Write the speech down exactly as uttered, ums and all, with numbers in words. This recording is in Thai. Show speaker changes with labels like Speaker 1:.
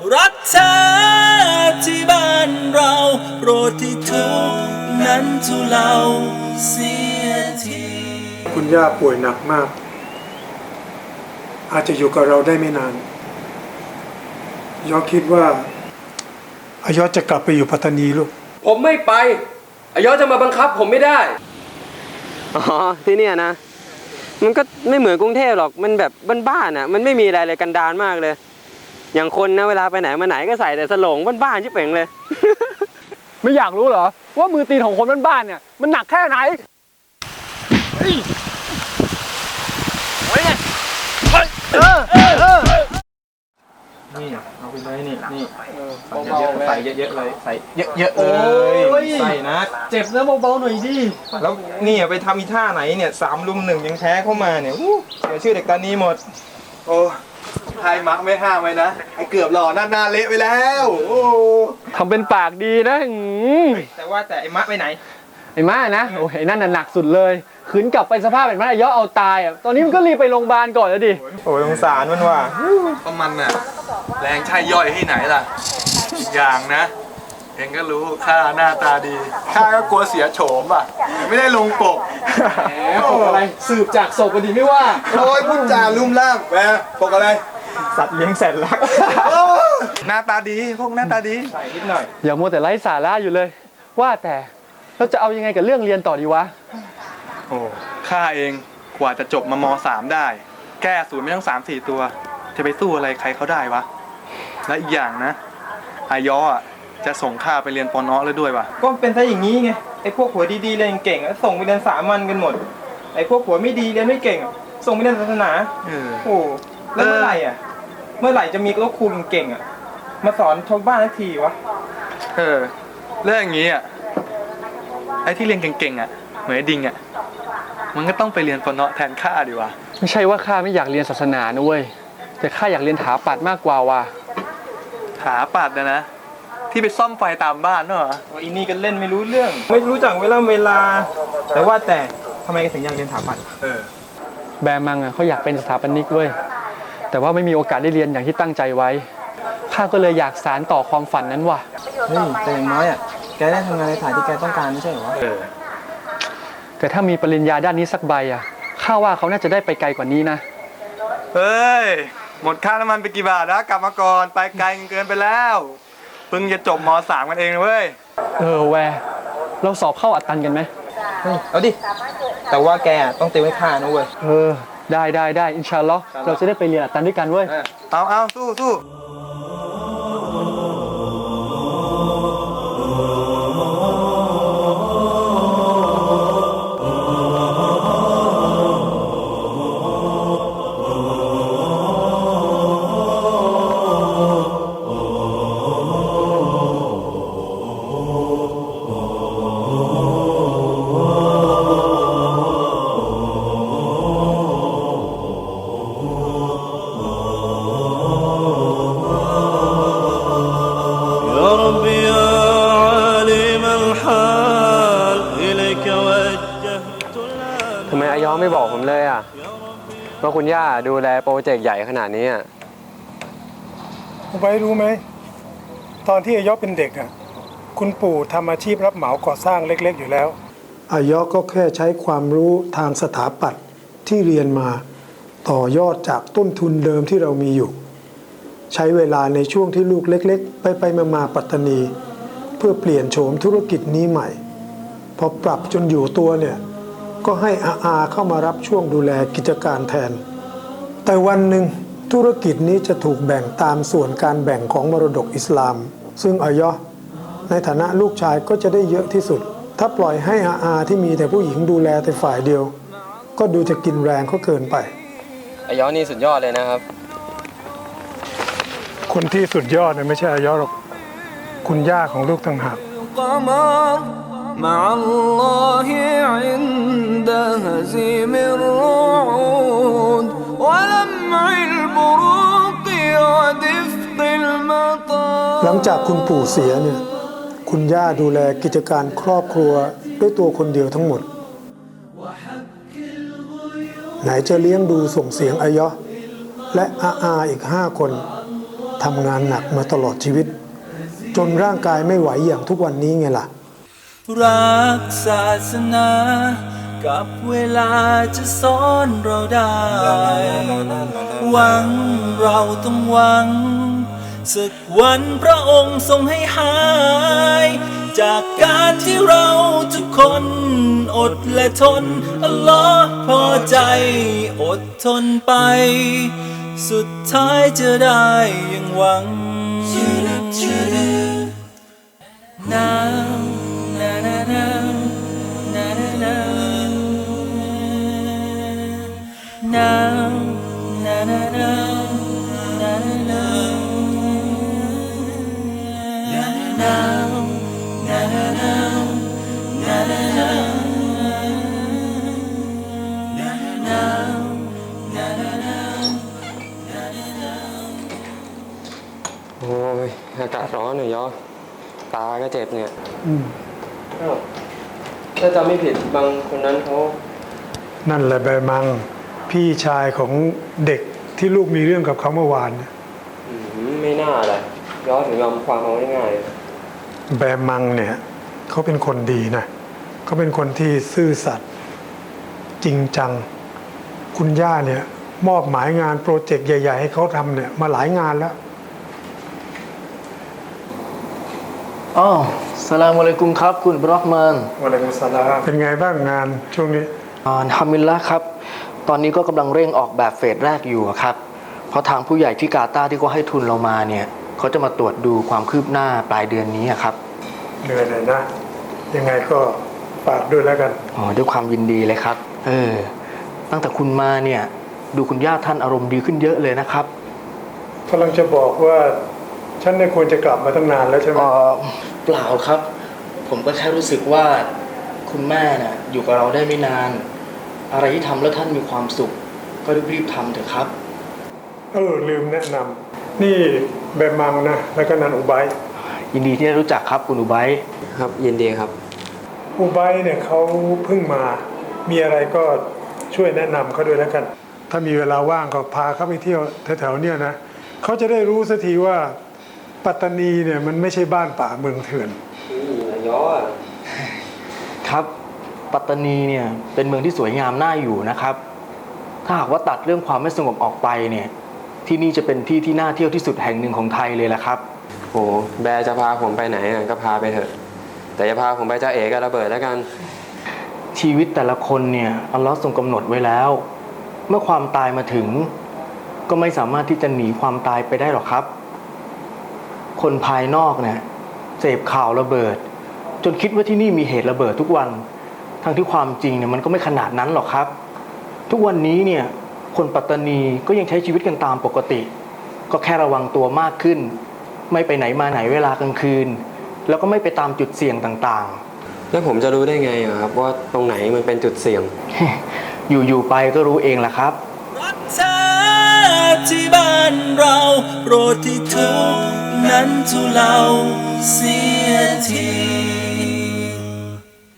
Speaker 1: รักเธอที่บ้านเราโปรดที่ทุกนั้นทุเลาเสียที
Speaker 2: คุณย่าป่วยหนักมากอาจจะอยู่กับเราได้ไม่นานยอคิดว่าอายอจะกลับไปอยู่ปัตตานีลูก
Speaker 3: ผมไม่ไปอายอจะมาบังคับผมไม่ได้
Speaker 4: อ๋อที่นี่นะมันก็ไม่เหมือนกรุงเทพหรอกมันแบบบ้านๆอ่ะมันไม่มีอะไรเลยกันดารมากเลยอย่างคนนะเวลาไปไหนมาไหนก็ใส่แต่สโลงบ้านๆชิบเป่งเลย
Speaker 5: ไม่อยากรู้เหรอว่ามือตีนของคนบ้านๆเนี่ยมันหนักแค่ไหนเฮ้ยเฮ้ยเออเออเออ
Speaker 3: นี่เอาไปเลยนี่นี่ใส่เยอะๆเลยใส่เยอะๆเลยใส่นะ
Speaker 5: เจ็บนะเบาๆหน่อยดิ
Speaker 3: แล้วนี่ไปทำอีท่าไหนเนี่ยสามลุมหนึ่งยังแพ้เข้ามาเนี่ยเสียชื่อเด็กตานีหมด
Speaker 6: โอ้ไทยมักไม่ห้ามไว้นะไอ้เกือบหล่อหน้าหน้าเละไปแล้วโอ้
Speaker 5: ทำเป็นปากดีนะ
Speaker 3: แต่ว่าแต่ไอ้มะไปไหน
Speaker 5: ไอ้มะนะโอ้ยนั่นน่ะหนักสุดเลยขืนกลับไปสภาพเป็นมะย่อเอาตายอ่ะตอนนี้มันก็รีบไปโรงพยาบาลก่อนแล้วดิ
Speaker 3: โอ้ยสงสารมันว่ะ
Speaker 6: เพราะมันน่ะแรงใช่ย่อยที่ไหนล่ะอย่างนะเองก็รู้ข้าหน้าตาดีข้าก็กลัวเสียโฉมอ่ะไม่ได้ลงปก
Speaker 5: แหมปกอะไรสืบจากศพก็ดีไม่ว่า
Speaker 6: โอ้ยพูดจาลุ่มล่ามแหมปกอะไร
Speaker 3: สัตว์เลี้ยงแสนรัก
Speaker 6: หน้าตาดีพวกหน้าตาดี
Speaker 3: ใส่นิดหน่อย
Speaker 5: อย่ามัวแต่ไร้สาระอยู่เลยว่าแต่เราจะเอายังไงกับเรื่องเรียนต่อดีวะ
Speaker 6: โอ้ข้าเองกว่าจะจบมามสามได้แก้ศูนย์ไม่ต้องสามสี่ตัวจะไปสู้อะไรใครเขาได้วะและอีกอย่างนะอายอจะส่งข้าไปเรียนปอนอแล้วด้วยวะ
Speaker 3: ก็เป็นซะอย่างนี้ไงไอ้พวกหัวดีๆเรียนเก่งส่งไปเรียนสามัญกันหมดไอ้พวกหัวไม่ดีเรียนไม่เก่งส่งไปเรียนศาสนาโอ้แล้วเมื่อไหร่อ่ะเมื่อไหร่จะมีลูกครูเก่งๆอ่ะมาสอนชาวบ้านทันทีวะ
Speaker 6: เออเรื่องอย่างนี้อ่ะไอ้ที่เรียนเก่งๆอ่ะเหมือนดิงอ่ะมันก็ต้องไปเรียนปอนอแทนข้าดีวะ
Speaker 5: ไม่ใช่ว่าข้าไม่อยากเรียนศาสนานะเว้ยแต่ข้าอยากเรียนถาปัตย์มากกว่าว่ะ
Speaker 6: ถาปัตย์นะนะที่ไปซ่อมไฟตามบ้านเนอะ
Speaker 3: ว่าอีนี่กันเล่นไม่รู้เรื่องไม่รู้จักเวลาเวลาแต่ว่าแต่ทำไมถึงอยากเรียนถาปัตย์
Speaker 6: เออ
Speaker 5: แบมังอ่ะเขาอยากเป็นสถาปนิกเว้ยแต่ว่าไม่มีโอกาสได้เรียนอย่างที่ตั้งใจไว้ข้าก็เลยอยากสานต่อความฝันนั้นว่ะ
Speaker 3: เฮ้ยแต่อย่างน้อยอ่ะแกได้ทำงานในสายที่แกต้องการไม่ใช่เหรอ
Speaker 6: เออ
Speaker 5: แต่ถ้ามีปริญญาด้านนี้สักใบอ่ะข้าว่าเขาน่าจะได้ไปไกลกว่านี้นะ
Speaker 6: เฮ้ยหมดค่าน้ำมันไปกี่บาทนะกลับมาก่อนไปไกลเกินไปแล้วเพิ่งจะจบมสามกันเองเว้ย
Speaker 5: เออแวร์เราสอบเข้าอัดตันกันไหม
Speaker 3: เอาดิแต่ว่าแกต้องเตรียมไว้ค่านะเว้ย
Speaker 5: เออได้ได้ได้อินชาอัลลอฮ์เราจะได้ไปเรียนอัดตันด้วยกันเว้ย
Speaker 6: เอาเอาสู้สู้
Speaker 4: ทำไมอายอไม่บอกผมเลยอ่ะว่าคุณย่าดูแลโปรเจกต์ใหญ่ขนาดนี้อ่ะ
Speaker 2: คุณไปรู้ไหมตอนที่อายอเป็นเด็กอ่ะคุณปู่ทำอาชีพรับเหมาก่อสร้างเล็กๆอยู่แล้วอายอก็แค่ใช้ความรู้ทางสถาปัตย์ที่เรียนมาต่อยอดจากต้นทุนเดิมที่เรามีอยู่ใช้เวลาในช่วงที่ลูกเล็กๆไปไปมามาปัตตานีเพื่อเปลี่ยนโฉมธุรกิจนี้ใหม่พอปรับจนอยู่ตัวเนี่ยก็ให้อาอาเข้ามารับช่วงดูแลกิจการแทนแต่วันหนึ่งธุรกิจนี้จะถูกแบ่งตามส่วนการแบ่งของมรดกอิสลามซึ่งอายอในฐานะลูกชายก็จะได้เยอะที่สุดถ้าปล่อยให้อาอาที่มีแต่ผู้หญิงดูแลแต่ฝ่ายเดียวก็ดูจะกินแรงเขาเกินไป
Speaker 4: อายอนี่สุดยอดเลยนะครับ
Speaker 2: คนที่สุดยอดเนี่ยไม่ใช่อายอหรอกคุณย่าของลูกต่างหาก
Speaker 1: مع الله عند هزيم الرعود ولمع البروق ودفق المطار
Speaker 2: หลังจากคุณปู่เสียเนี่ยคุณย่าดูแลกิจการครอบครัวด้วยตัวคนเดียวทั้งหมดไหนจะเลี้ยงดูส่งเสียงอายะและอาอาอีกห้าคนแทำงานหนักมาตลอดชีวิต จนร่างกายไม่ไหวอย่างทุกวันนี้ไงล่ะ
Speaker 1: รักศาสนา กับเวลาจะสอนเราได้ หวังเราต้องหวัง สักวันพระองค์ทรงให้หาย จากการที่เราทุกคนอดและทน อัลลอฮ์พอใจอดทนไป สุดท้ายจะได้อย่างหวัง Now, na na na, na na na. Now, na na na, na na na. Now, na na na, na na na. Now, na na na.
Speaker 4: โอ้ยอากาศร้อนหน่อยยอตาก็เจ็บเนี่ย
Speaker 2: อืม
Speaker 4: อ้าวถ้าจำไม่ผิดบางคนนั้นเขา
Speaker 2: นั่นแหละแบมัง พี่ชายของเด็กที่ลูกมีเรื่องกับเขาเมื่อวานเนี่ย
Speaker 4: อืมไม่น่าเลยย้อนถึงยอมความเอาง่าย
Speaker 2: แบมังเนี่ยเขาเป็นคนดีนะเขาเป็นคนที่ซื่อสัตย์จริงจัง คุณย่าเนี่ยมอบหมายงานโปรเจกต์ใหญ่ๆให้เขาทำเนี่ยมาหลายงานแล้ว
Speaker 7: อ๋อสลามอะลัยกุมครับคุณบรอห์มาน
Speaker 2: วะลัยกุมสลามเป็นไงบ้างงานช่วงนี้
Speaker 7: อ่าอัลฮัมดุลิลละห์ครับ ตอนนี้ก็กำลังเร่งออกแบบเฟสแรกอยู่อะครับ เพราะทางผู้ใหญ่ที่กาตาร์ที่เขาให้ทุนเรามาเนี่ยเขาจะมาตรวจดูความคืบหน้าปลายเดือนนี้อะครับ
Speaker 2: เหนื่อยหน่อยนะ ยังไงก็ฝากด้วยแล้วกัน
Speaker 7: อ๋อด้วยความยินดีเลยครับ เออ ตั้งแต่คุณมาเนี่ยดูคุณย่าท่านอารมณ์ดีขึ้นเยอะเลยนะครับ
Speaker 2: กำลังจะบอกว่าฉันเนี่ยควรจะกลับมาตั้งนานแล้วใช่ไหม
Speaker 7: เออเปล่าครับ ผมก็แค่รู้สึกว่าคุณแม่น่ะอยู่กับเราได้ไม่นาน อะไรที่ทำแล้วท่านมีความสุข ก็รีบๆทำเถอะครับ
Speaker 2: เออลืมแนะนำนี่แบมังนะแล้วก็นันอุไบ
Speaker 7: ยินดีที่ได้รู้จักครับคุณอุไบ
Speaker 4: ๆครับยินดีครับ
Speaker 2: อุไบเนี่ยเขาเพิ่งมา มีอะไรก็ช่วยแนะนำเขาด้วยแล้วกัน ถ้ามีเวลาว่างก็พาเขาไปเที่ยวแถวๆเนี่ยนะเขาจะได้รู้สักทีว่าปัตตานีเนี่ยมันไม่ใช่บ้านป่าเมืองเถื่อน
Speaker 4: ย้อ
Speaker 7: ครับ ปัตตานีเนี่ยเป็นเมืองที่สวยงามน่าอยู่นะครับ ถ้าหากว่าตัดเรื่องความไม่สงบออกไปเนี่ยที่นี่จะเป็นที่ที่น่าเที่ยวที่สุดแห่งหนึ่งของไทยเลยละครับ
Speaker 4: โหแบร์จะพาผมไปไหนอ่ะก็พาไปเถอะ แต่อย่าพาผมไปจ้าเอ๋กับระเบิดแล้วกัน
Speaker 7: ชีวิตแต่ละคนเนี่ยอัลลอฮ์ทรงกำหนดไว้แล้ว เมื่อความตายมาถึง ก็ไม่สามารถที่จะหนีความตายไปได้หรอกครับ คนภายนอกเนี่ยเสพข่าวระเบิด จนคิดว่าที่นี่มีเหตุระเบิดทุกวัน ทั้งที่ความจริงเนี่ยมันก็ไม่ขนาดนั้นหรอกครับ ทุกวันนี้เนี่ยคนปัตตานีก็ยังใช้ชีวิตกันตามปกติ ก็แค่ระวังตัวมากขึ้น ไม่ไปไหนมาไหนเวลากลางคืน แล้วก็ไม่ไปตามจุดเสี่ยงต่างๆ
Speaker 4: แล้วผมจะรู้ได้ไงอะครับว่าตรงไหนมันเป็นจุดเสี่ยง
Speaker 7: อยู่ๆไปก็รู้เองแหละครับ
Speaker 1: รักเธอที่บ้านเราโปรดที่ทุกข์นั้นทุเลาเสียที